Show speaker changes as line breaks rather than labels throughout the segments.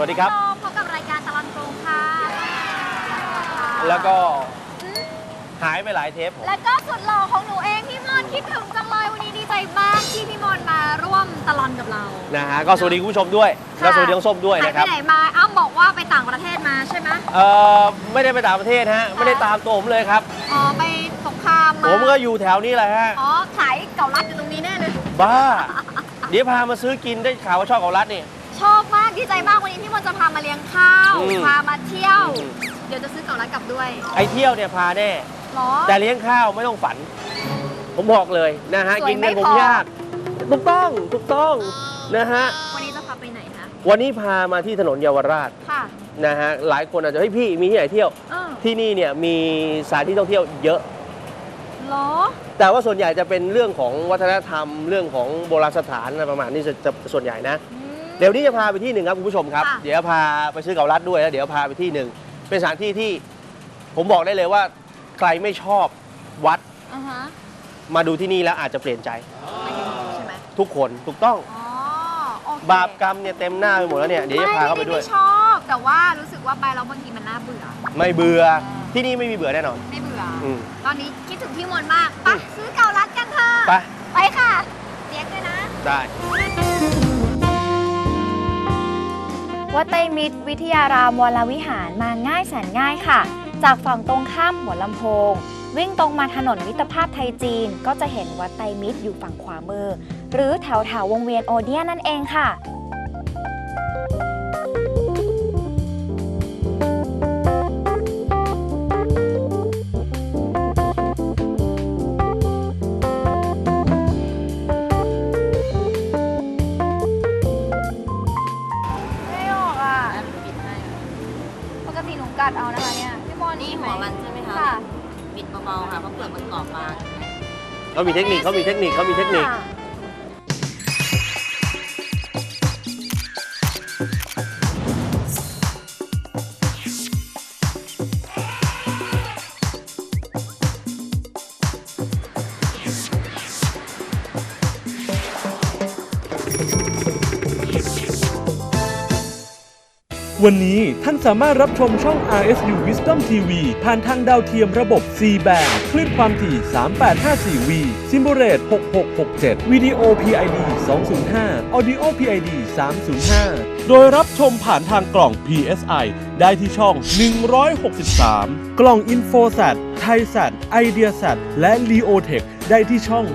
วัสดีครับ
พบกับรายการตลอดกรุงค่ะ
แล้วก็หายไปหลายเทป
แล้วก็สุดหล่อของหนูเองพี่มอนคิดถึงจังเลยวันนี้ดีใจมากที่พี่มอนมาร่วมตลอดกับเรา
นะฮะก็สวัสดีคุณผู้ชมด้วยแล้วสวัสดีน้องส้มด้วยนะครับ
หายไปไหนมาอ้ำบอกว่าไปต่างประเทศมาใช่ไหม
ไม่ได้ไปต่างประเทศฮะไม่ได้ตามตัวผมเลยครับ
อ๋อไปสงครามมา
ผมก็อยู่แถวนี้แหละฮะ
อ๋อขายเก่าลัดอยู่ตรงนี้แน่เลย
บ้าเดี๋ยวพามาซื้อกินได้ข่าวว่าชอบเก่าลัดนี่
ชอบมากดีใจมากวันนี้พี่มอนจะพามาเลี้ยงข้าวพามาเที่ยวเดี๋ยวจะซื้อเก่าลัดกลับด้วย
ไอเที่ยวเนี่ยพาแน่แต่เลี้ยงข้าวไม่ต้องฝันผมบอกเลยนะฮะกินกันผมยากถูกต้องนะฮะ
วันนี้จะพาไปไหนคะ
วันนี้พามาที่ถนนเยาวราช
ค่ะ
นะฮะหลายคนอาจจะเฮ้ยพี่มีที่ไหนเที่ยวที่นี่เนี่ยมีสถานที่ท่องเที่ยวเยอะ
หรอ
แต่ว่าส่วนใหญ่จะเป็นเรื่องของวัฒนธรรมเรื่องของโบราณสถานอะไรประมาณนี้จะส่วนใหญ่นะเดี๋ยวนี้จะพาไปที่หนึ่งครับคุณผู้ชมครับเดี๋ยวพาไปซื้อเก่าลัดด้วยแล้วเดี๋ยวพาไปที่หนึ่งเป็นสถานที่ที่ผมบอกได้เลยว่าใครไม่ชอบวัดมาดูที่นี่แล้วอาจจะเปลี่ยนใจ
ใช่ไหม
ทุกคนถูกต้องบาปกรรมเนี่ยเต็มหน้าไปหมดแล้วเนี่ยเดี๋ยวจะพาเข้าไปด้วย
ไม่ชอบแต่ว่ารู้สึกว่าไปแล้วบางทีมันน่าเบื่อ
ไม่เบื่อที่นี่ไม่มีเบื่อแน่นอน
ไม่เบื่อตอนนี้คิดถึงพี่มนต์มากไปซื้อเก่าลัดกันเถอะไปค่ะเรียกด้วยนะ
ได้
วัดไตรมิตรวิทยารามวรวิหารมาง่ายแสนง่ายค่ะจากฝั่งตรงข้ามหัวลำโพงวิ่งตรงมาถนนมิตรภาพไทยจีนก็จะเห็นวัดไตรมิตรอยู่ฝั่งขวามือหรือแถววงเวียนโอเดียนนั่นเองค่ะ
ไม่ออกอ่ะปกติหนูกัดเอานะคะเนี่ยพี่บอล
นี่หัวมันใช่ไหมคะบิดเบาๆค่ะเพราะเปลือกมันกรอบบาง
เขามีเทคนิค
วันนี้ท่านสามารถรับชมช่อง RSU Wisdom TV ผ่านทางดาวเทียมระบบ C band คลื่นความถี่ 3854V Symbol6667 Video PID 205 Audio PID 305 โดยรับชมผ่านทางกล่อง PSI ได้ที่ช่อง 163 กล่อง InfoSat ThaiSat IdeaSat และ LeoTech ได้ที่ช่อง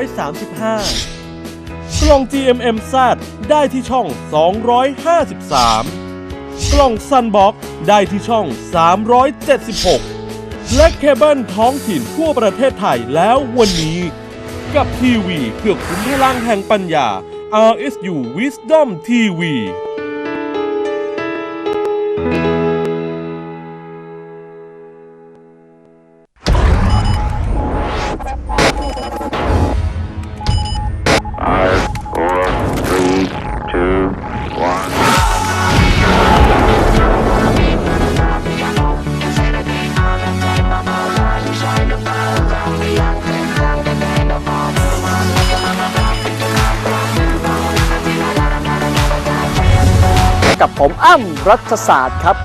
135 กล่อง GMMZ ได้ที่ช่อง 253กล่องซันบ็อกได้ที่ช่อง 376 และเคเบิลท้องถิ่นทั่วประเทศไทยแล้ววันนี้กับทีวีเพื่อขุนพลังแห่งปัญญา RSU Wisdom TV
กับผมอ้ำรัฐศาสตร์ครับ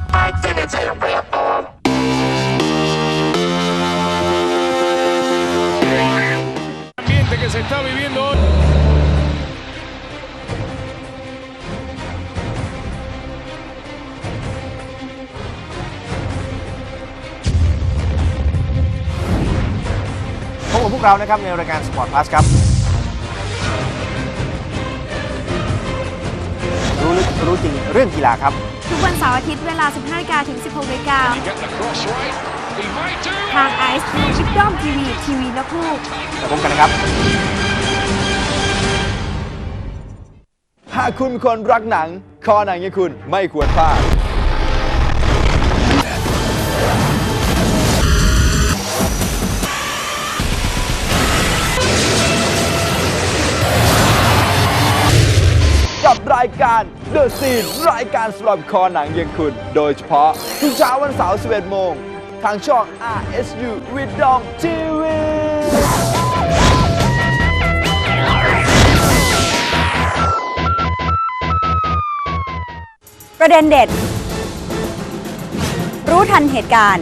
พบกับพวกเรานะครับในรายการ Sport Plus ครับรู้จริงเรื่องกีฬาครับ
ทุกวันเสาร์อาทิตย์เวลา 15 นาฬิกาถึง 16 นาฬิกาทาง RSU Wisdom TV ทีวีและคู่
จะพบกันนะครับ
หากคุณเป็นคนรักหนังคอหนังอย่างคุณไม่ควรพลาดกับรายการ The Scene รายการสำหรับคอหนังอย่างคุณโดยเฉพาะทุกเช้าวันเสาร์ 11 โมงทางช่อง RSU Wisdom TV
ก
ประเด็นเด็ด รู้ทันเหตุการณ์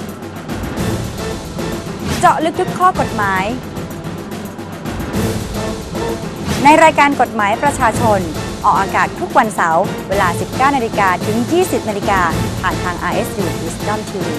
เจาะลึกทุกข้อกฎหมาย ในรายการกฎหมายประชาชนออกอากาศทุกวันเสาร์เวลา 19 นาฬิกาถึง 20 นาฬิกาผ่านทาง RSU Wisdom TV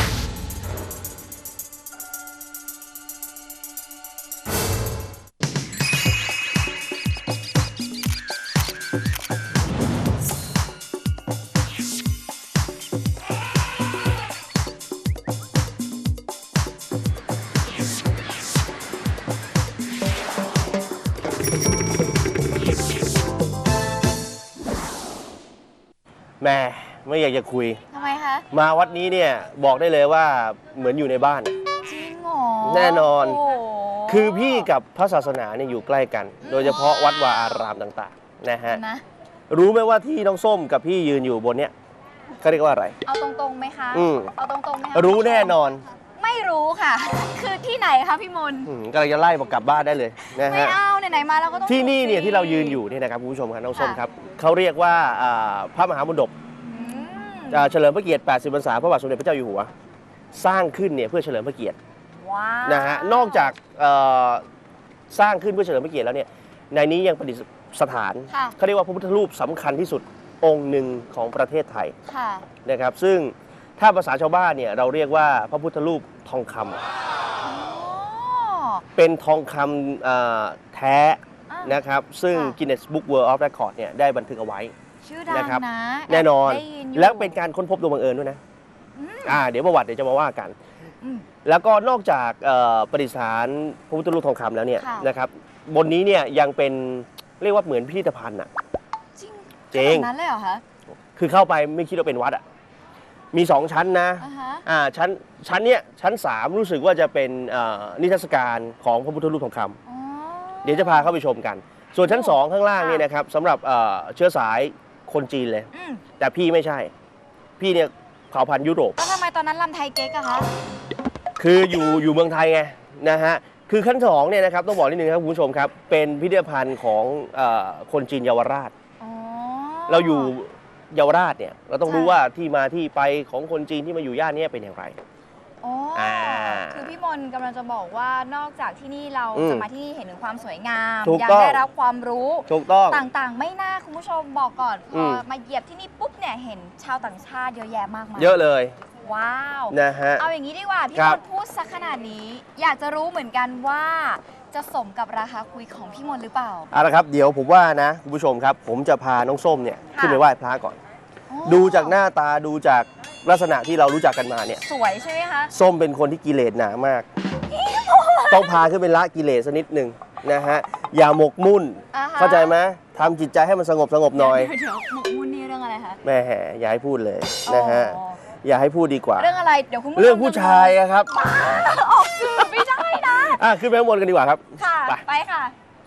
แม่ไม่อยากจะคุย
ทำไมคะ
มาวัดนี้เนี่ยบอกได้เลยว่าเหมือนอยู่ในบ้าน
จริงเหรอ
แน่นอน
โโห
คือพี่กับพระศาสนาเนี่ยอยู่ใกล้กัน โดยเฉพาะวัดวาอารามต่างๆนะฮะ
นะ
รู้ไหมว่าที่น้องส้มกับพี่ยืนอยู่บนเนี้ยเขาเรียกว่าอะไร
เอาตรงๆไหมคะ
อืม
เอาตรงๆไหมคะ
รู้แน่นอน
ไม่รู้ค่ะ คือที่ไหนคะพี่มนต์
กำลังจะไล่บอกกลับบ้านได้เลยนะ
ไม่
ฮะ
เอาไหนๆมาเราก็ต้อง
ที่นี่เนี่ย
สิ
ที่เรายืนอยู่เนี่ยนะครับคุณผู้ชมครับน้องส้ม
ค่ะ
ครับเขาเรียกว่าพระมหามณฑป
อืม
เฉลิมพระเกียรติ 80 พรรษาพระบาทสมเด็จพระเจ้าอยู่หัว สร้างขึ้นเนี่ยเพื่อเฉลิมพระเกียรติ
ว้าว
นะฮะนอกจากสร้างขึ้นเพื่อเฉลิมพระเกียรติแล้วเนี่ยในนี้ยังประดิษฐาน
ค่ะ
เขาเรียกว่าพระพุทธรูปสำคัญที่สุดองค์หนึ่งของประเทศไทย
ค่ะ
นะครับซึ่งถ้าภาษาชาวบ้านเนี่ยเราเรียกว่าพระพุทธรูปทองคำ
อ๋อ
เป็นทองคำแท้
อ่ะ
นะครับซึ่ง
ค่ะ
Guinness Book World of Record เนี่ยได้บันทึกเอาไว้
ชื่อดัง
นะครับ
นะ
แน่นอน
ได้ยิยู่
แล้วเป็นการค้นพบโดยบังเอิญด้วยนะ
อืม
เดี๋ยวประวัติเดี๋ยวจะมาว่ากัน
อืม
แล้วก็นอกจากประดิษฐานพระพุทธรูปทองคำแล้วเนี่ย
ค่ะ
นะครับบนนี้เนี่ยยังเป็นเรียกว่าเหมือนพิพิธภัณฑ์อ่ะ
จริง
จริง
ขนาดนั้นเลยเหรอคะ
คือเข้าไปไม่คิดว่าเป็นวัดอ่ะมี 2 ชั้นนะ
อ่าฮะ
ชั้นเนี้ยชั้น 3 รู้สึกว่าจะเป็นนิทรรศการของพระพุทธรูปทองคำ
อ๋อ
เดี๋ยวจะพาเข้าไปชมกัน ส่วนชั้น 2 ข้างล่างนี่นะครับสำหรับเชื้อสายคนจีนเลย
อืม
แต่พี่ไม่ใช่ พี่เนี่ยเผ่าพันธุ์ยุโรป
แล้วทำไมตอนนั้นลำไทยเก๊กอะคะ
คืออยู่เมืองไทยไงนะฮะคือขั้น2เนี่ยนะครับต้องบอกนิดนึงครับคุณผู้ชมครับเป็นพิพิธภัณฑ์ของคนจีนเยาวราช
อ๋อ
เราอยู่เยาวราชเนี่ยเราต้องรู้
ใช่
ว่าที่มาที่ไปของคนจีนที่มาอยู่ย่านเนี้เป็นอย่างไร
อ๋ออา คือพี่มนต์กำลังจะบอกว่านอกจากที่นี่เรา
อืม
จะมาที่นี่เห็นถึงความสวยงาม
ถูก
ยั
ต้อง
ได้รับความรู้
ถูกต้อง
ต่างๆ ไม่น่าคุณผู้ชมบอกก่อนพ
อื
อ
ม
มาเหยียบที่นี่ปุ๊บเนี่ยเห็นชาวต่างชาติเยอะแยะมากมาย
เยอะเลย
ว้าว
นะฮะ
เอาอย่างนี้ดีกว่าพี่
ครั
ม
บ
นต์พูดสักขนาดนี้ อยากจะรู้เหมือนกันว่าจะสมกับราคาคุยของพี่มนต์หรือเปล่า
เอาละครับเดี๋ยวผมว่านะคุณผู้ชมครับผมจะพาน้องส้มเนี่ย
ค่ะ
ขึ้นไปไหว้พระก่อน
อ๋อ
ดูจากหน้าตาดูจากลักษณะที่เรารู้จักกันมาเนี่ย
สวยใช่ไหมคะ
ส้มเป็นคนที่กิเลสหนามาก ต้องพาขึ้นไปละกิเลสสักนิดหนึ่งนะฮะอย่าหมกมุ่น
อ่าฮะ
เข้าใจไหมทำจิตใจให้มันสงบหน่อย
เดี๋ยวหมกมุ่นนี่เรื่องอะไรคะ
แม่อย่าให้พูดเลยนะฮะ
อ๋อ
อย่าให้พูดดีกว่า
เรื่องอะไรเดี๋ยวคุณผู้ชม
เรื่องผู้ชายอะครับ
ออกสื่อไม่ได้นะ
ขึ้นไปข้างบนกันดีกว่าครับ
ค่ะ
ไป
ไปค่ะ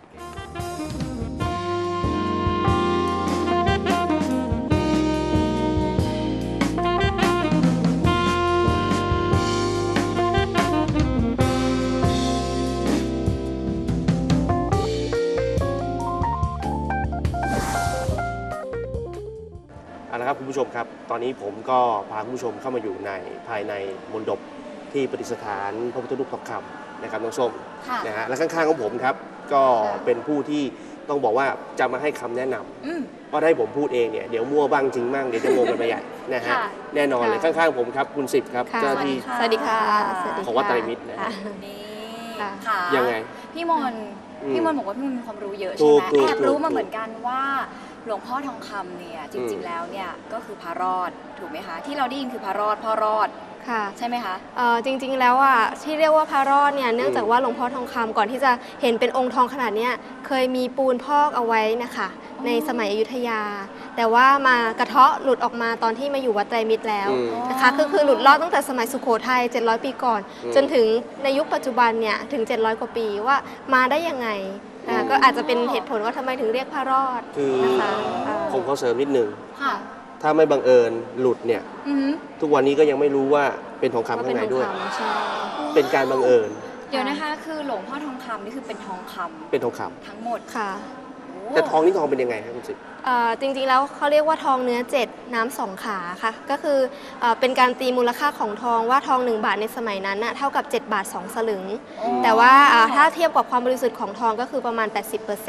เอาละครับคุณผู้ชมครับ ตอนนี้ผมก็พาคุณผู้ชมเข้ามาอยู่ในภายในมณฑปที่ประดิษฐานพระพุทธรูปทองคำนะครับน้องส้ม
ค่ะ
นะฮะและข้างๆของผมครับก็เป็นผู้ที่ต้องบอกว่าจะมาให้คำแนะนำ
อืม
เพราะถ้าให้ผมพูดเองเนี่ยเดี๋ยวมั่วบ้างจริงบ้างเดี๋ยวจะงงกันไปใหญ่นะฮะ
ค่ะ
แน่นอนเลย
ค่ะ
ข้างๆผมครับคุณสิบครับ
ค่ะ
เจ้าหน้าที่
สวัสดีค่ะ สวัสดี
ของวัดไตรมิตรนะฮะ
นี่
ค่ะ
ค่ะ
ยังไง
พี่มนต์
อืม
พี่มนต์บอกว่าพี่มนต์มีความรู้เยอะ
ถู
ใช่
ก
ไหม
ถูก
แอบรู้
ถูก
มาเหมือนกันว่าหลวงพ่อทองคำเนี่ยจ
อื
ริง
ม
ๆแล้วเนี่ยก็คือพระรอดถูกไหมคะ ที่เราได้ยินคือพระรอดพ่อรอด
ค่ะ
ใช่ไหมคะ
จริงๆแล้วอ่ะที่เรียกว่าพระรอดเนี่ยเนื่องจากว่าหลวงพ่อทองคำก่อนที่จะเห็นเป็นองค์ทองขนาดเนี้ยเคยมีปูนพอกเอาไว้นะคะในสมัยอยุธยา แต่ว่ามากระเทาะหลุดออกมาตอนที่มาอยู่วัดไตรมิตรแล้ว
อืม
นะคะคือหลุดรอดตั้งแต่สมัยสุโขทัย700 ปีก่อน
อืม
จนถึงในยุคปัจจุบันเนี่ยถึง700 กว่าปีว่ามาได้ยังไงก็อาจจะเป็นเหตุผลว่าทำไมถึงเรียกพระรอด
คือ
นะคะ
ผมขอเสริมนิดนึง
ค่ะ
ถ้าไม่บังเอิญหลุดเนี่ย
อือหือ
ทุกวันนี้ก็ยังไม่รู้ว่าเป็นทองคำ
ว่า
ข้า
เป็
ง
น
ใน
ทอง
ด้วย
คำใช่
เป็นการบังเอิญ
เดี๋ยวนะคะ คือหลวงพ่อทองคำนี่คือเป็นทองคำ
เป็นทองคำ
ทั้งหมด
ค่ะ
โอ้
แต่ทองนี่ทองเป็นยังไงครับคุณสิบ
จริงๆแล้วเขาเรียกว่าทองเนื้อ7น้ำ2ขาค่ะก็คือเป็นการตีมูลค่าของทองว่าทอง1 บาทในสมัยนั้นน่ะเท่ากับ7 บาท 2 สลึง แต่ว่าถ้าเทียบกับความบริสุทธิ์ของทองก็คือประมาณ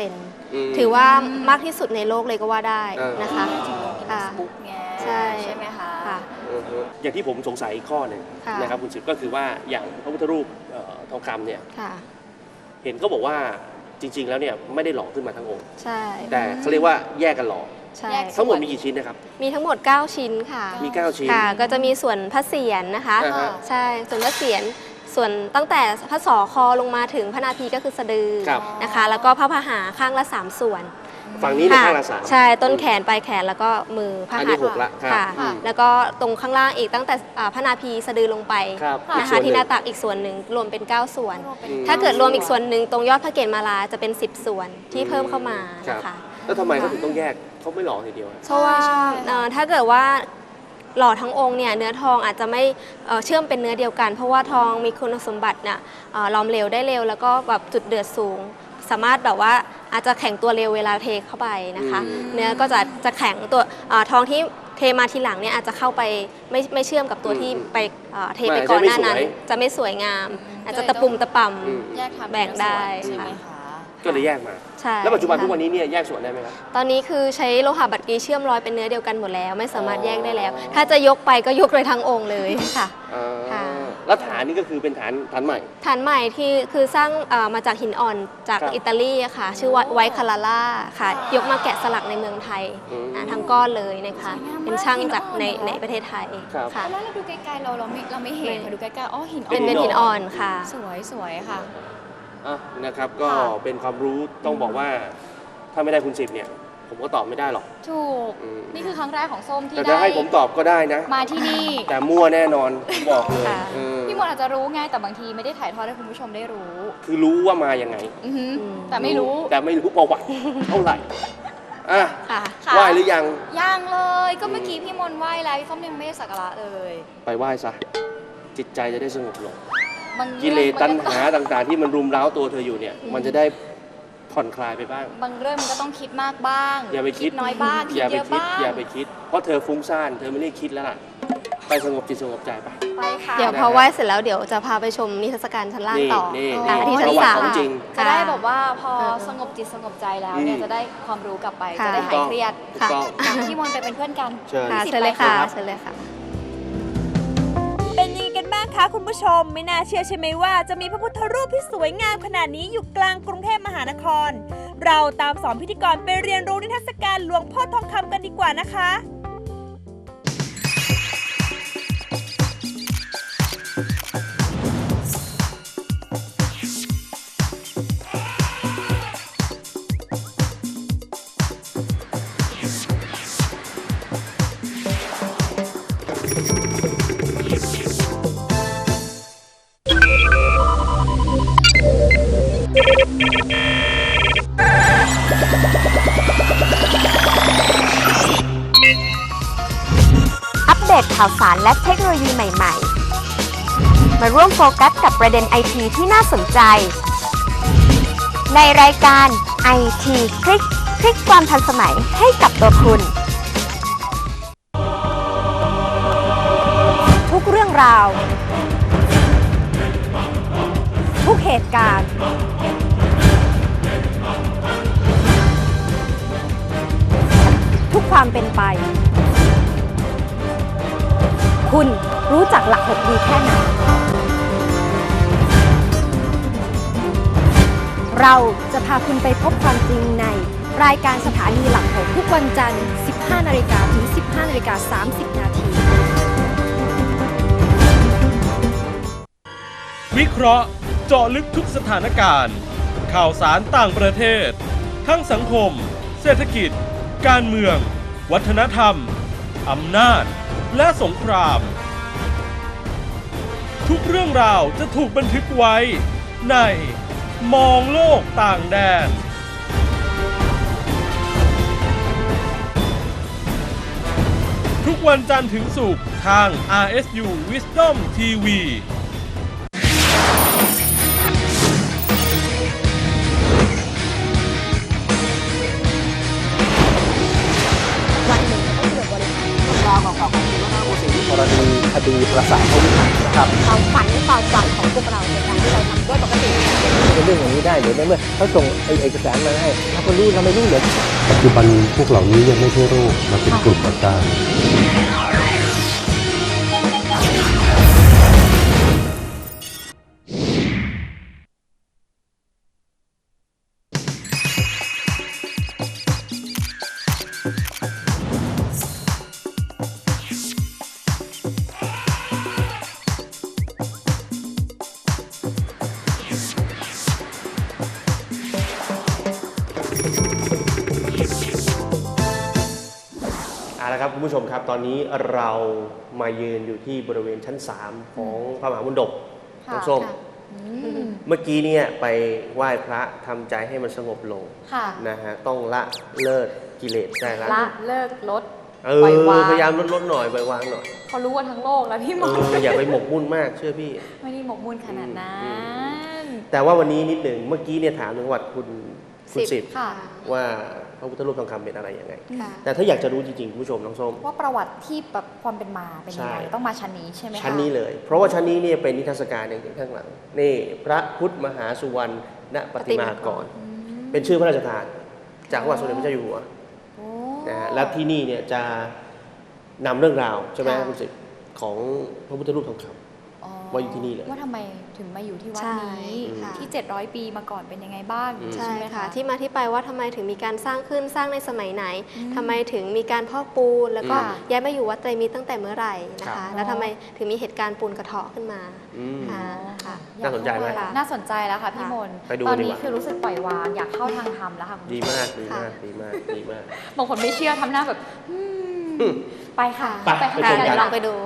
80%ถือว่ามากที่สุดในโลกเลยก็ว่าได้นะคะค่ะ
บุ๊กไง
ใช่
ใช่ไหมคะ
ค่ะ
อย่างที่ผมสงสัยอีกข้อหนึ่ง
ค่ะ
นะครับคุณสิบก็คือว่าอย่างพระพุทธรูปทองคำเนี่ย
ค่ะ
เห็นเขาบอกว่าจริง ๆ แล้วเนี่ยไม่ได้หล่อขึ้นมาทั้งองค์
ใช่
แต่เขาเรียกว่าแยกกันหล่อ
ใช่
ทั้งหมดมีกี่ชิ้นนะครับ
มีทั้งหมด 9 ชิ้นค่ะ
มี9ชิ้น
ค่ะ ก็จะมีส่วนพระเศียรนะคะ
อ่าฮะ
ใช่ส่วนพระเศียรส่วนตั้งแต่พระศอกคอลงมาถึงพระนาภีก็คือสะดือ
ครับ
นะคะ แล้วก็พระพหาข้างละ 3 ส่วน
ฝั่งนี้เนี่ยข้างละ
ค่ะ
3
ใช่ต้นแขนปลายแขนแล้วก็มือพระ
อัน
หั
นี้
ตถ์
6ละครับ
ค่ะ
อืม
แล้วก็ตรงข้างล่างอีกตั้งแต่พระนาภีสะดือลงไป
ครับ
นะ
อีกส่
คะ
วนหนึ่ง
ที่หน้าตักอีกส่วนหนึ่งรวมเป็น 9 ส่วน
อืม
ถ้าเกิดรวมอีกส่วนหนึ่งตรงยอดพระเกศมาลาจะเป็น 10 ส่วนที่เพิ่มเข้ามา
ครับ
นะคะ
แล้วทำไมเขาถึงต้องแยกเขาไม่หล่อทีเดียวอะ
เพราะว่าถ้าเกิดว่าหล่อทั้งองค์เนี่ยเนื้อทองอาจจะไม่เชื่อมเป็นเนื้อเดียวกัน เพราะว่าทองมีคุณสมบัติเนี่ยหลอมเหลวได้เร็วแล้วก็แบบจุดเดือดสูง สามารถแบบว่าอาจจะแข็งตัวเร็วเวลาเทเข้าไปนะคะ เนื้อก็จะแข็งตัวทองที่เทมาทีหลังเนี่ยอาจจะเข้าไปไม่เชื่อมกับตัวที่ไปเทไปก่อนหน้านั้น จะไม่สวยงาม อาจจะตะปุ่มตะป่ำ
แยกทำ
แบ่งได้
ใช่ไหม
ค่ะ
คะ
ก็เลยแยกมา
ใช่
แล้วปัจจุบัน
ค่ะ
ทุกวันนี้เนี่ยแยกส่วนได้ไหมครับ
ตอนนี้คือใช้โลหะบัตรกีเชื่อมร้อยเป็นเนื้อเดียวกันหมดแล้ว ไม่สามารถแยกได้แล้ว ถ้าจะยกไปก็ยกเลยทั้งองค์เลยค่ะ ค่ะ
แล้วฐานนี่ก็คือเป็นฐานใหม่
ฐานใหม่ที่คือสร้างมาจากหินอ่อนจาก
ครับ
อิตาลีอะค่ะ ชื่อว่าไวคาราล่าค่ะ ยกมาแกะสลักในเมืองไทย
อืม
ทั้งก้อนเลยนะคะ เป็นช่างจากในประเทศไทย
ครับ
ค่ะ
แล้วเราดูไกลๆเราไม่เห็นค่ะดูใกล้ๆอ๋อหินอ่อน
เป็นหินอ่อนค่ะ
สวยค่ะ
อ่ะนะครับก็
ค่ะ
เป็นความรู้ต้องบอกว่าถ้าไม่ได้คุณสิบเนี่ย ผมก็ตอบไม่ได้หรอก
ถูก
อืม
นี่คือครั้งแรกของส้มที่
แต่
ได้
จะให้ผมตอบก็ได้นะ
มาที่นี่
แต่มั่วแน่นอนผมบอกเลย
ค่ะ
เออ
พี่มนต์อาจจะรู้ไงแต่บางทีไม่ได้ถ่ายทอดให้คุณผู้ชมได้รู้
คือรู้ว่ามายังไง
อือหือแต่ไม่รู้
แต่ไม่รู้ประวัติเท่าไหร่อ่ะ
ค่ะ
ค่ะ
ไหว้หรือยัง
ยังเลยก็เมื่อกี้พี่มนต์ไหว้แล้วพี่ส้มยังไม่ได้สักการะเลย
ไปไหว้ซะจิตใจจะได้สงบลง
บาง
กิเลสตัณ
รื่องมันก็
หาต่างๆ ที่มันรุมเร้าตัวเธออยู่เนี่ย มันจะได้ผ่อนคลายไปบ้าง
บางเรื่องมันก็ต้องคิดมากบ้าง
อย่าไปคิด
น้อยบ้างคิด
อย่า
เย
ไป
อะ
คิด
บ้าง
อย่าไปคิด เพราะเธอฟุ้งซ่านเธอไม่ได้คิดแล้วล่ะ ไปสงบจิตสงบใจไป
ไปค่ะ
เดี๋ยวพอไหว้เสร็จแล้วเดี๋ยวจะพาไปชมนิทรรศการชั้นล่าง
นี่
ต่อ
นี่
ค่ะ
นี่
ที่ชั้น
ประวัติ
สาม
ของจริง
จะได้แบบว่าพอ
เออ
สงบจิตสงบใจแล้วเนี่ย
อืม
จะได้ความรู้กลับไป
ค่ะ
จะได้หายเครียด
ถูกต้อง
ค่ะพี่มนต์ไปเป็นเพื่อนกัน
เชิญ
ค่ะ
สิบ
เชิญเลย
ไป
ค่ะ
ค่ะ
เชิญเลยค่ะ
เป็นยังไงกันบ้างคะคุณผู้ชม ไม่น่าเชื่อใช่ไหมว่าจะมีพระพุทธรูปที่สวยงามขนาดนี้อยู่กลางกรุงเทพมหานคร เราตามสองพิธีกรไปเรียนรู้นิทรรศการหลวงพ่อทองคำกันดีกว่านะคะ
อัปเดตข่าวสารและเทคโนโลยีใหม่ๆ มาร่วมโฟกัสกับประเด็นไอทีที่น่าสนใจ ในรายการ IT คลิกความทันสมัยให้กับตัวคุณ
ทุกเรื่องราว ทุกเหตุการณ์ ทุกความเป็นไป คุณรู้จักหลัก6ดีแค่ไหน เราจะพาคุณไปพบความจริงในรายการสถานีหลัก6ทุกวันจันทร์ 15 นาฬิกาถึง 15 นาฬิกา 30 นาที
วิเคราะห์เจาะลึกทุกสถานการณ์ ข่าวสารต่างประเทศ ทั้งสังคม เศรษฐกิจ การเมือง วัฒนธรรม อำนาจ และสงคราม ทุกเรื่องราวจะถูกบันทึกไว้ในมองโลกต่างแดน ทุกวันจันทร์ถึงศุกร์ทาง RSU Wisdom TV
ปีปราสาทพระวิหารนะครับ
ความฝันความฝันของพวกเราในการที่เราทำด้วยปกติ
เป็นเรื่องอย่างนี้ได้หรือในเมื่อเขาส่งเอกสารมาให้เราก็รู้เราไม่รู้เหรอ
ปัจจุบันพวกเหล่านี้ยังไม่ใช่โรคมาเป็นกลุ่มอาการ
เอาละครับคุณผู้ชมครับตอนนี้เรามายืนอยู่ที่บริเวณชั้น 3 ของพระมหาบุญดกน้องส้มเมื่อกี้เนี่ยไปไหว้พระทำใจให้มันสงบลง
ค่ะ
นะฮะต้องละเลิกกิเลสได้ละ
ละเลิกลด
ป
ปล่อยวาง
พยายามลดหน่อยปล่อยวางหน่อย
เขารู้ว่าทั้งโลกแล้วพี่หมอ
อย่าไปหมกมุ่นมากเชื่อพี่
ไม่ได้หมกมุ่นขนาดนั้น
แต่ว่าวันนี้นิดหนึ่งเมื่อกี้เนี่ยถามถึงประวัติคุณสิบ
ค่ะ
ว่าพระพุทธรูปทองคำเป็นอะไรยังไง
ค่ะ
แต่ถ้าอยากจะรู้จริงๆคุณผู้ชมน้องส้ม
ว่าประวัติที่แบบความเป็นมาเป็นยังไง
ใช่
ต้องมาชั้นนี้ใช่ไหมคะ
ชั้นนี้เลย เพราะว่าชั้นนี้เนี่ยเป็นนิทรรศการอย่างข้างหลังนี่พระพุทธมหาสุวรรณปฏิมากรเป็นชื่อพระราชทาน จากพระบาทสมเด็จพระเจ้าอยู่หัว
โอ้
นะฮะและที่นี่เนี่ยจะนำเรื่องราวใช่ไหม
ค่ะ
คุณสิทธิ์ของพระพุทธรูปทองคำ
อ๋อ
ว่าอยู่ที่นี่เลย
ว่าทำไมถึงมาอยู่ที่วัด
ใช่
นี้
ค่ะ
ที่ 700 ปีมาก่อนเป็นยังไงบ้าง
ใช่
ไหม
ค่ะ ที่มาที่ไปว่าทำไมถึงมีการสร้างขึ้นสร้างในสมัยไหนทำไมถึงมีการพอกปูน แล้วก็
ค่ะ
ย้ายมาอยู่วัดไตรมิตรตั้งแต่เมื่อไหร่นะ
ครั
คะ
บ
แล้วทำไมถึงมีเหตุการณ์ปูนกระเทาะขึ้นมา
อืม
ค่ะค่ะ
น่าสนใจไหม
น่าสนใจแล้วค่ะพี่มนต์
ไปดู
ตอน
ดี
นี้
กว่า
คือรู้สึกปล่อยวางอยากเข้าทางธรรมแล้วค่ะคุณ
ดี
ผู้ช
มากดีมากดีมากดีมาก
บางคนไม่เชื่อทำหน้าแบบไปค่ะ
ไป
ข้าง
ไปชม
ใน
กั
เดี๋ย
น
วลองไปดู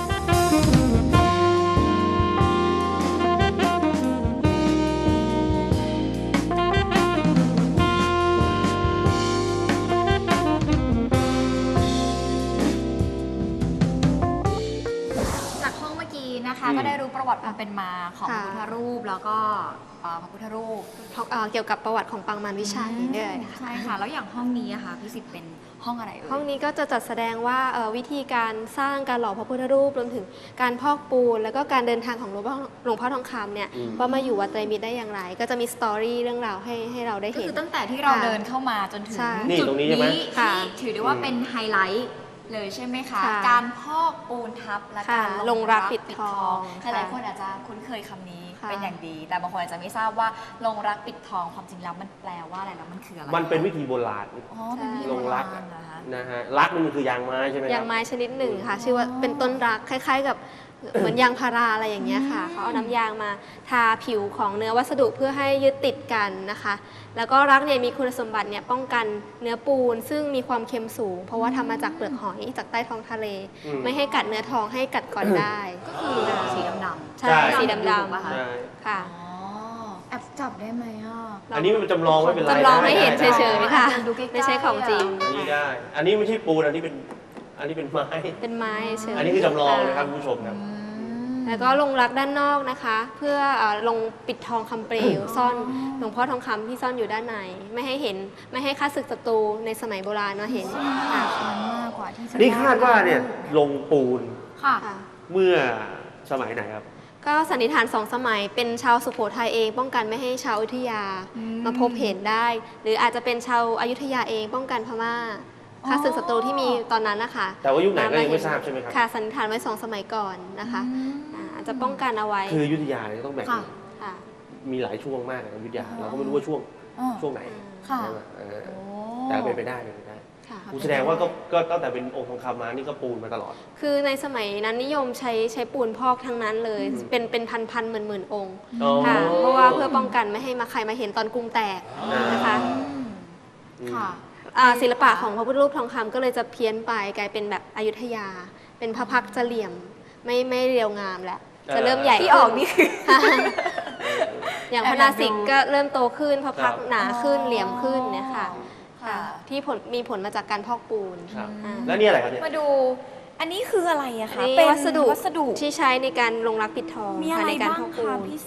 จากห้องเมื่อกี้นะคะ
อืม
ก็ได้รู้ประวัติความเป็นมาของพ
ค่ะ
ระพุทธรูปแล้วก็พระพุทธรูป
เกี่ยวกับประวัติของปางมารวิชัยด้วยค่ะ
ใช่ค่ะ แล้วอย่างห้องนี้อะค่ะพี่สิทธิ์เป็นห้องอะไรเอ่ย
ห้องนี้ก็จะจัดแสดงว่าวิธีการสร้างการหล่อพระพุทธรูปรวมถึงการพอกปูนแล้วก็การเดินทางของหลวงพ่อทองคำเนี่ย
อืม
ว่ามาอยู่วัดไตรมิตรได้อย่างไร ก็จะมีสตอรี่เรื่องราวให้เราได้
ก็
เห็น
คือตั้งแต่ที่เรา
ค่ะ
เดินเข้ามาจนถึง
ใช่
นี่
จุด
ตรงนี้ใช่ไหม
นี้
ค่ะ
ที่ถือได้ว่าเป็นไฮไลท์เลยใช่ไหมคะ
ค่ะ
การพอกปูนทับและ
ค่ะ
การ
ลงรักปิดทอง
หลายๆคนอาจจะคุ้นเคยคำนี้
ค่ะ
เป็นอย่างดี แต่บางคนอาจจะไม่ทราบว่าลงรักปิดทองความจริงแล้วมันแปลว่าอะไรแล้วมันคืออะไร
มันเป็นวิธีโบราณ
อ๋อเป็นวิธี
ลงรัก
โบาณเหรอคะ
นะฮะรักนี่มันคือยางไม้ใช่ไหมค
ยา
รับ
งไม้ชนิดหนึ่งค่ะ ชื่อว่าเป็นต้นรักคล้ายๆ กับเหมือนยางพาราอะไรอย่างเงี้ยค่ะเขาเอาน้ำยางมาทาผิวของเนื้อวัสดุเพื่อให้ยึดติดกันนะคะ แล้วก็รักเนี่ยมีคุณสมบัติเนี่ยป้องกันเนื้อปูน ซึ่งมีความเค็มสูง เพราะว่าทำมาจากเปลือกหอยจากใต้ท้องทะเล
อืม
ไม่ให้กัดเนื้อทองให้กัดก่อนได้
ก็คือสีดำๆ
ใช่
ใช่
สีด
ๆป่ะคะ
ใช่
ำค่ะ
อ๋อแอบจับได้ไหมอ่ะ
อันนี้มันจำลองไม่เป็นไร
จำลองให้เห็น
ได้
เฉยๆค่ะ
ดูใกล้ๆ
ไม่ใช่ของจริง
อันนี้ได้ อันนี้ไม่ใช่ปูนอันนี้เป็นไม้
เป็นไม้เฉยๆ
อันนี้คือจำลองนะครับคุณผู้ชมครับ
แล้วก็ลงรักด้านนอกนะคะ เพื่อลงปิดทองคำเปลวซ่อนหลวงพ่อทองคำที่ซ่อนอยู่ด้านในไม่ให้เห็นไม่ให้ข้าศึกศัตรูในสมัยโบราณมาเห็นค่ะ
มากกว่าที่จะ
นี่คาดว่าเนี่ยลงปูน
ค่ะ
ค่ะ
เมื่อสมัยไหนครับ
ก็สันนิษฐาน2 สมัยเป็นชาวสุโขทัยเอง ป้องกันไม่ให้ชาวอยุธยามาพบเห็นได้ หรืออาจจะเป็นชาวอยุธยาเองป้องกันพม่าข้าศึกศัตรูที่มีตอนนั้นนะคะ
แต่ว่ายุคไหนก็ยังไม่ทราบใช่ไหมครับ
ค่ะสันนิษฐานไว้ 2 สมัยก่อนนะคะอาจจะป้องกันเอาไว้
คืออยุธยาเนี่ยต้องแบ่ง
ค่ะ
ค่ะ
มีหลายช่วงมากนะอยุธยาเราก็ไม่รู้ว่าช่วงไหน
ค่ะ
ใช่ไหม
โอ้
แต่เป็นไปได้เป็นไปได้
ค่ะ
แสดงว่าก็ตั้งแต่เป็นองค์ทองคำมานี่ก็ปูนมาตลอด
คือในสมัยนั้นนิยมใช้ปูนพอกทั้งนั้นเลย เป็นพันหมื่นองค์
อ๋อ
ค่ะเพราะว่าเพื่อป้องกันไม่ให้ใครมาเห็นตอนกรุงแตกนะคะ
ค่ะ
ศิลปะของพระพุทธรูปทองคำก็เลยจะเพี้ยนไปกลายเป็นแบบอยุธยา เป็นพระพักตร์จะเหลี่ยมไม่เรียวงามแล้วจะเริ่มใหญ่
ที่ออกนี่คือ
อย่างพระนาสิกก็เริ่มโตขึ้นพระพักตร์หนาขึ้นเหลี่ยมขึ้นเนี่ยค่ะ
ค่ะ
ที่มีผลมาจากการพอกปูน
ครับ
อ่า
แล้วนี่อะไรครับเนี่ย
มาดู อันนี้คืออะไรอะคะ
นี่
เป็น
วัสดุ
วัสดุ
ที่ใช้ในการลงรักปิดทอง
มี
ค่ะ
อะไร
ในการ
บ้าง
พอกปู
คะ
น
พี่สิบ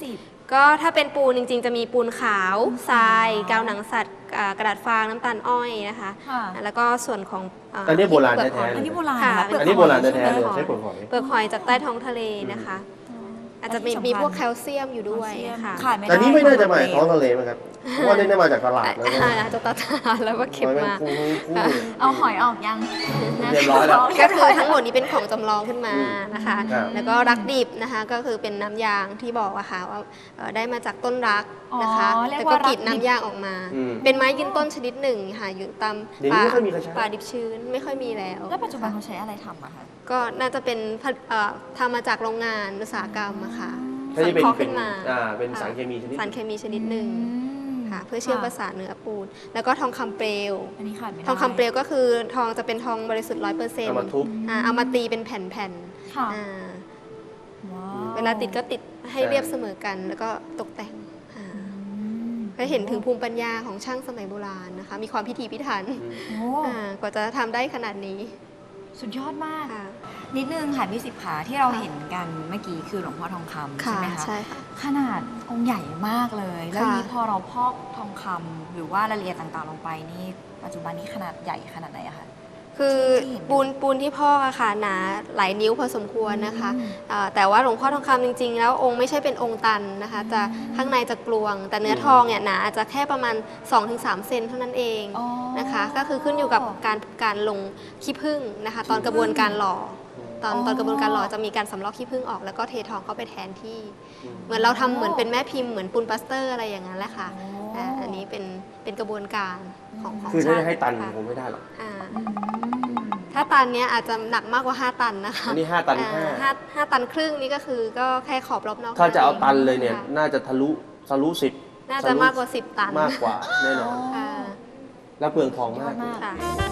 ก็ถ้าเป็นปูนจริงๆ จะมีปูนขาวทรายกาวหนังสัตว์กระดาษฟางน้ำตาลอ้อยนะคะ
ค่ะ
แล้วก็ส่วนของ
อันนี้โบราณแท้ๆ
อันนี้โบราณ
ค่ะ
นะ
อันนี้โบราณแท้ๆเลยใช้ผลหอย
เปลือกหอยจากใต้ท้องทะเลนะคะ อาจจะมีพวกแคลเซียมอยู่ด้วยค่ะ
ขาดไม่ได้
แต่นี่ไม่น่าจะมาจากท้องทะเลมั้งครับเพราะว่านี่น่ามาจากตลาดแล้ว
อาจจะตัดแล้วก็เก็บมา
เอาหอยออกยัง
เรียบร้อยแล้ว
ก็คือทั้งหมดนี้เป็นของจำลองขึ้นมานะคะ
ครับ
แล้วก็รักดิบนะคะ ก็คือเป็นน้ำยางที่บอกอะค่ะว่าได้มาจากต้นรักนะคะ
อ๋อเรียก
แล้ว
ว่า
ก็กรีด
รักดิบ
น้ำยางออกมา
อืม
เป็นไม้ยืนต้นชนิดหนึ่งค่ะอยู่ตาม
เดี๋ยวนี้ไม่ค่อยมีใครใช้
ป่าดิบชื้นไม่ค่อยมีแล้ว
แล้วปัจจุบันเขาใช้อะไรทำอะคะ
ก็น่าจะเป็นทำมาจากโรงงานอุตสาหกรรมอะค่ะ
ถ้าจะเป็น
สังเคราะห์ขึ้นมา
เป็นสารเคมีชนิด
สารเคมีชนิดหนึ่งค่ะเพื่อเชื่อมประสานเนื้อปูน แล้วก็ทองคำเปลว
อันนี้ขาดไม่ได้
ทองคำเปลวก็คือทองจะเป็นทองบริสุทธิ์ 100%
เอามาทุบ
เอามาตีเป็นแผ่น
ค่ะ
ๆอ่า
ว้าว
เวลาติดก็ติดให้เรียบเสมอกัน แล้วก็ตกแต่งก็เห็นถึงภูมิปัญญาของช่างสมัยโบราณนะคะ มีความพิถีพิถัน
โอ้
กว่าจะทำได้ขนาดนี้
สุดยอดมาก
ค่ะ
นิดนึงค่ะพี่สิบขาที่เราเห็นกันเมื่อกี้คือหลวงพ่อทองคำใช่ไหมคะ
ใช่ค่ะ
ขนาดองค์ใหญ่มากเลย แล้ว
ค่ะ
นี้พอเราพอกทองคำหรือว่ารายละเอียดต่างๆลงไปนี่ปัจจุบันนี้ขนาดใหญ่ขนาดไหนอะคะ
คือปูนที่พอกอะค่ะหนาหลายนิ้วพอสมควรนะคะแต่ว่าหลวงพ่อทองคำจริงๆ แล้วองค์ไม่ใช่เป็นองค์ตันนะคะ จะข้างในจะกลวง แต่เนื้อทองเนี่ยหนาอาจจะแค่ประมาณ 2-3 เซนเท่านั้นเองนะคะ ก็คือขึ้นอยู่กับการลงขี้ผึ้งนะคะ ตอนกระบวนการหล่อตอนกระบวนการหล่อจะมีการสำลอกขี้ผึ้งออกแล้วก็เททองเข้าไปแทนที่ เหมือนเราทำเหมือนเป็นแม่พิมพ์เหมือนปูนปลาสเตอร์อะไรอย่างนั้นแหละค่ะอันนี้เป็นกระบวนการของ
คือถ้า
ช่าง
จะให้ตัน
ค่ะ
คงไม่ได้หรอก
ถ้าตันเนี้ยอาจจะหนักมากกว่า 5 ตันนะคะ
อันนี้5ตัน
ห้าตันครึ่งนี่ก็คือก็แค่ขอบรอบนอก
ถ้าจะเอาตันเลยเนี่ย
ค่ะ
น่าจะทะลุ10
น่าจะมากกว่า 10 ตัน
มากกว่าแน่นอน
ค่ะ
แล้วเปลืองทองมาก
ค่ะ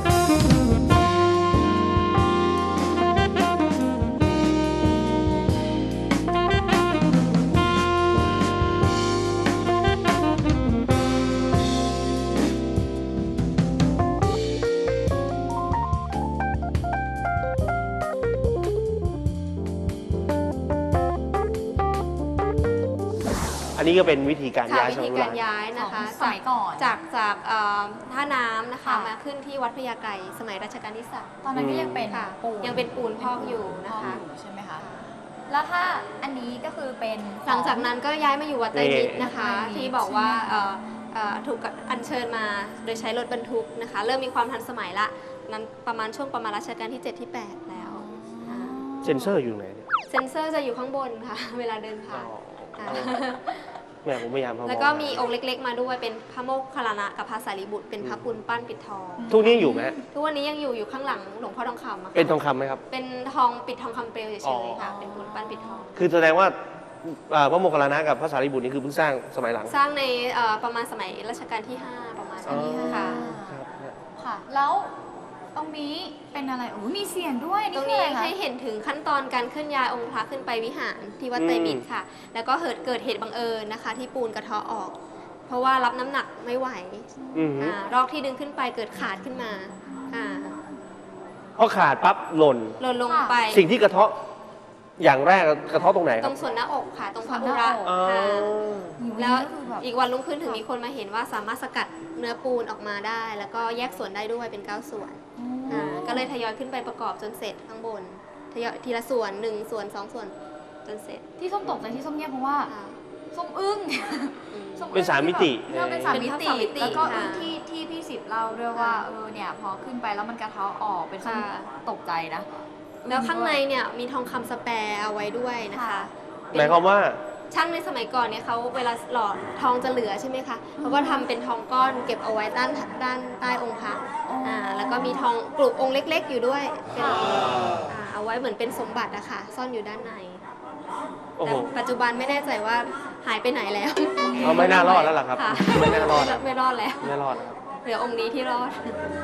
อันนี้ก็เป็นวิธีการ
ค่ะ
ย้าย
วิ
สมั
ธี
ยโบ
กา
ราณ
รย้ายนะคะ
สมัยก่อน
จากท่าน้ำนะคะ
ค่ะ
มาขึ้นที่วัดพญาไกรสมัยรัชกาลที่
ตอนนั้นก็ยังเป็น
ค่ะ
ปูน
ยังเป็นปูนพอกอยู่นะคะ
ใช่ไหมคะ แล้วถ้าอันนี้ก็คือเป็น
หลังจากนั้นก็ย้ายมาอยู่วัดไตรมิตรนะคะ
ไตรมิตร
ที่บอกว่าถูกอัญเชิญมาโดยใช้รถบรรทุกนะคะ เริ่มมีความทันสมัยละนั้นประมาณช่วงประมาณรัชกาลที่ 7 ที่ 8 แล้ว
เซนเซอร์อยู่ไหนเนี่ย
เซนเซอร์จะอยู่ข้างบนค่ะ เวลาเดินผ่าน
แม่ผมพยายามพอ
แล้วก็มีองค์เล็กๆมาด้วยเป็นพระโมคคัลลานะกับพระสารีบุตรเป็นพระปูนปั้นปิดทอง
ทุกนี้อยู่ไหม
ทุกวันนี้ยังอยู่ข้างหลังหลวงพ่อทองคำอะค่ะ
เป็นทองคำไหมครับ
เป็นทองปิดทองคำเปลวเฉ
อ๋อ
ยๆค่ะเป็นปูนปั้นปิดทอง
คือแสดงว่าพระโมคคัลลานะกับพระสารีบุตรนี่คือเพิ่งสร้างสมัยหลัง
สร้างในประมาณสมัยรัชกาลที่ 5 ประมาณนี้ค่ะ
ค่ะ แล้วตรงนี้เป็นอะไรโอ้มีเสียงด้วย
ตรง
คือ
นี้
อะไรคะ
ให้เห็นถึงขั้นตอนการเคลื่อนย้ายองค์พระขึ้นไปวิหารที่วัดไตรมิตรค่ะ แล้วก็เกิดเหตุบังเอิญนะคะ ที่ปูนกระเทาะออก เพราะว่ารับน้ำหนักไม่ไหว
อือหือ
รอกที่ดึงขึ้นไปเกิดขาดขึ้นมาอ่า
พอขาดปั๊บหล่น
หล่นลงไป
สิ่งที่กระเทาะอย่างแรกกระเทาะตรงไหนค
ต
รั
ร
บ
งส่วนหน้าอกค่ะ ตรงพระ
ส่
อุ
วนห
ระ
น้าอก
ค่ะ แล้ว
ก็คือแบบ
อีกวันรุ่งขึ้นถึงมีคนมาเห็นว่าสามารถสกัดเนื้อปูนออกมาได้ แล้วก็แยกส่วนได้ด้วยเป็น 9 ส่วนก็เลยทยอยขึ้นไปประกอบจนเสร็จข้างบนทยอยทีละส่วน1ส่วน2ส่วนจนเสร็จ
ที่ส้มตกใจที่ส้มเงียบเพราะว่า
ค่ะ
ส้มอึ้ง
อืม
ส้อึ้ง
เป็นสามมิติ
ที่แบบเป็นสามมิ
เป็น
ติ
สามมิติ
แล้วก็
ค่ะ
อึ้งที่พี่สิบเล่าด้วยว่าเนี่ยพอขึ้นไปแล้วมันกระเทาะออกเป็นส้ม
ค่ะ
ตกใจนะ
แล้วข้างในเนี่ยมีทองคำสแปร์เอาไว้ด้วยนะคะ
ค่ะ
หมายความว่า
ช่างในสมัยก่อนเนี่ยเขาเวลาหล่อทองจะเหลือใช่ไหมคะเขาก็ทำเป็นทองก้อนเก็บเอาไว้ด้านใต้องค์พระแล้วก็มีทองกลุ่มองค์เล็ก ๆ อยู่ด้วยเป็นเอาไว้เหมือนเป็นสมบัติอะค่ะซ่อนอยู่ด้านใน
โอ้
แต่
โห
ปัจจุบันไม่แน่ใจว่าหายไปไหนแล้ว
เขาไม่น่ารอดแล้วล่ะครับ
ค่ะ
ไม่น่ารอดแล้ว
ไม่รอดแล้ว
ไม่รอดแล้วครับ
เหลือองค์นี้ที่รอด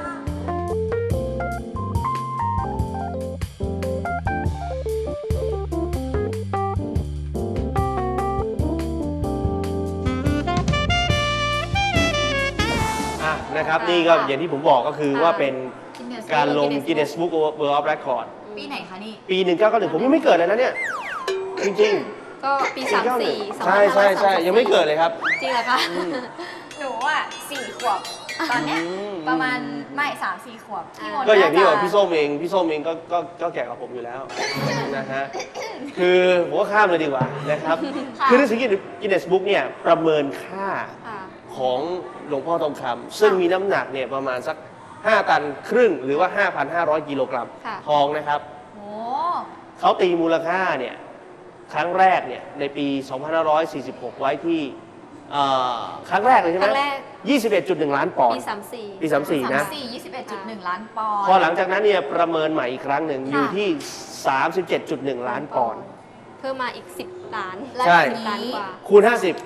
นะครับนี่ก็อย่างที่ผมบอกก็คือว่าเป็น
Guinness
การลง
Guinness
Guinness Book World of Record
ปีไหนคะนี่
ปี 1991ผมยังไม่เกิดเลยนะเนี่ย จริง
กก็ปี 34
ใช่ใช่ใช่ยังไม่เกิดเลยครับ
จริงเหรอคะ
หนูอ่ะ4 ขวบ ตอนเนี้ยประมาณไม่3-4 ขวบพี่มนต์
ก็อย่างที่บอก
น่จะ
พี่ส้มเองก็แก่กว่าผมอยู่แล้วนะฮะคือผมก็ข้ามเลยดีกว่านะครับ
ค่ะ
คือหนังสือกินเนสบุ๊กเนี่ยประเมินค่า
ค่ะ
ของหลวงพ่อทองคำซึ่งมีน้ำหนักเนี่ยประมาณสัก5 ตันครึ่งหรือว่า 5,500 กิโลกรัม
ค่ะ
ทองนะครับ
โอ้ เขา
เขาตีมูลค่าเนี่ยครั้งแรกเนี่ยในปี 2546 ไว้ที่ครั้งแรกเลยใช่ไหม
ครั้งแรก
21.1 ล้านปอน
ปี
ด์
34
ปี 34 นะ
21.1 ล้านปอนด์
พอหลังจากนั้นเนี่ยประเมินใหม่อีกครั้งหนึ่ง
ค่ะ
อยู่ที่ 37.1 ล้านปอนด์
เพิ่มมาอีก 10 ล้าน
ใช่
10 ล้านกว่า
คูณ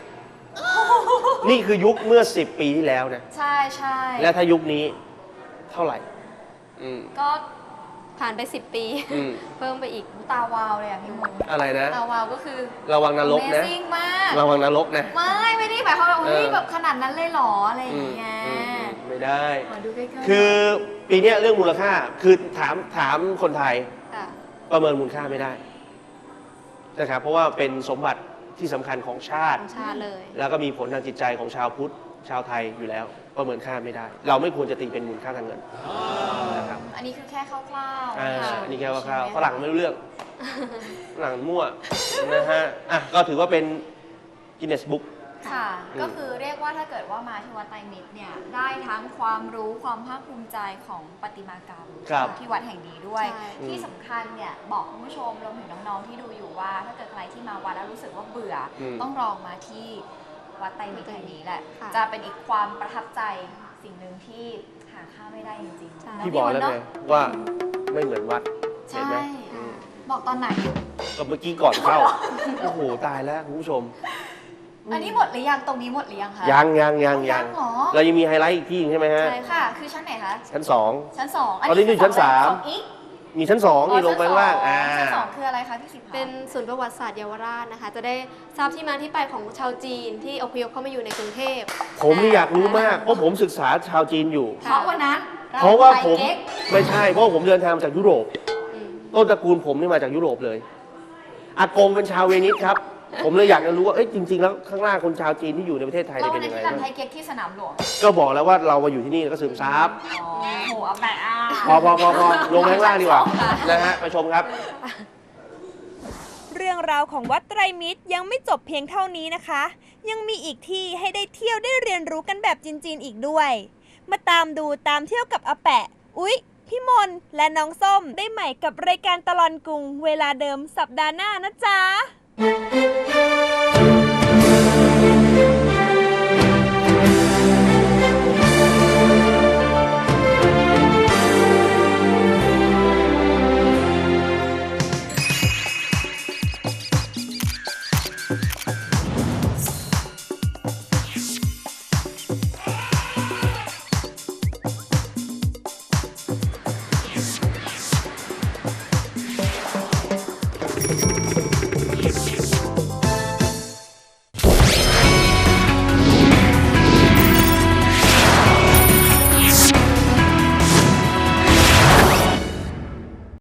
50 นี่คือยุคเมื่อ 10 ปีที่แล้วนะ
ใช่ใช่
และถ้ายุคนี้เท่าไหร่อืม
ก็
ผ่านไป 10 ปี
อืม
เพิ่มไปอีก
ตาวาวเลยอ่ะพี่มนต์
อะไรนะ
ตาวาวก็คือ
ระวังนรกนะ
Amazing มาก
ระวังนรกนะ
ไม่ได้หมายความว่าเฮ้ย
เออ
แบบขนาดนั้นเลยเหรออะไรอย่างเงี้ย
ไม่ได้
ขอดูใกล้ๆ
คือปีเนี้ยเรื่องมูลค่าคือถามคนไทย
ค่ะ
ประเมินมูลค่าไม่ได้นะครับเพราะว่าเป็นสมบัติที่สำคัญของชาติ
ของชาติเลย
แล้วก็มีผลทางจิตใจของชาวพุทธชาวไทยอยู่แล้ว ประเมินค่าไม่ได้ เราไม่ควรจะตีเป็นมูลค่าทางเงินนะครับ
อันนี้คือแค่คร่าวๆ
อันนี้แค่ว่าข้าวฝรั่งไม่รู้เรื่องฝรั่งมั่วนะฮะอ่ะก็ถือว่าเป็นกินเนสบุ๊ก
ค่ะ ก็คือเรียกว่าถ้าเกิดว่ามาที่วัดไตรมิตรเนี่ยได้ทั้งความรู้ความภาคภูมิใจของประติมากรรม
ครับ
ที่วัดแห่งนี้ด้วย
ใช่
ที่สำคัญเนี่ยบอกคุณผู้ชมรวมถึงน้องๆที่ดูอยู่ว่า ถ้าเกิดใครที่มาวัดแล้วรู้สึกว่าเบื่ออ
ม
ต้องลองมาที่วัดไตรมิตรแห่งนี้แหละ
ค่ะ
จะเป็นอีกความประทับใจสิ่งหนึ่งที่หาค่าไม่ได้จริง
ใช่
ๆ
พี่บอกแล้วไงว่าไม่เหมือนวัดเห็น
ใช่
ไหม
บอกตอนไหน
ก็เมื่อกี้ก่อนเข้าโอ้โหตายแล้วคุณผู้ชม
อันนี้หมดหรือยังตรงนี้หมดหรือยังคะ
ยัง
เหรอ
เรายังมีไฮไลท์อีกที่ใช่ไหมฮะ
ใช่ค่ะ คือชั้นไหนคะ
ชั้นสอง
ชั้น2
ตอนนี้อยู่ชั้นสาม
อีก
มีชั้นสองนี่ลงไปข้างล่าง
ชั้นสองคืออะไรคะพี่สิบ
เป็นศูนย์ประวัติศาสตร์เยาวราชนะคะ จะได้ทราบที่มาที่ไปของชาวจีนที่อพยพเข้ามาอยู่ในกรุงเทพ
ผมนี่อยากรู้มาก เพราะผมศึกษาชาวจีนอยู่
เพราะวันนั้น
เพราะว่าผม
ไปเก๊ก
ไม่ใช่ เพราะว่าผมเดินทางมาจากยุโรป
อืม
ต้นตระกูลผมนี่มาจากยุโรปเลย อากงเป็นชาวเวนิสครับ ผมเลยอยากจะรู้ว่า เอ้ยจริง ๆ แล้วข้างล่างคนชาวจีนที่อยู่ในประเทศไทย
แล้ว
เนี่ย
วั
เป็น
นนั้
ยั
น
งไง
ที่รำไทยเก๊กที่สนามหลวง
ก็บอกแล้วว่าเรามาอยู่ที่นี่แล้วก็ซึมซับ
อ๋อโหเอาแปะอ่ะ
พอลงไปข้างล่างดีกว่านะฮะไปชมครับ
เรื่องราวของวัดไตรมิตรยังไม่จบเพียงเท่านี้นะคะ ยังมีอีกที่ให้ได้เที่ยวได้เรียนรู้กันแบบจีนๆอีกด้วย มาตามดูตามเที่ยวกับอาแปะ อุ๊ย พี่มนและน้องส้มได้ใหม่กับรายการตลอดกรุงเวลาเดิมสัปดาห์หน้านะจ๊ะ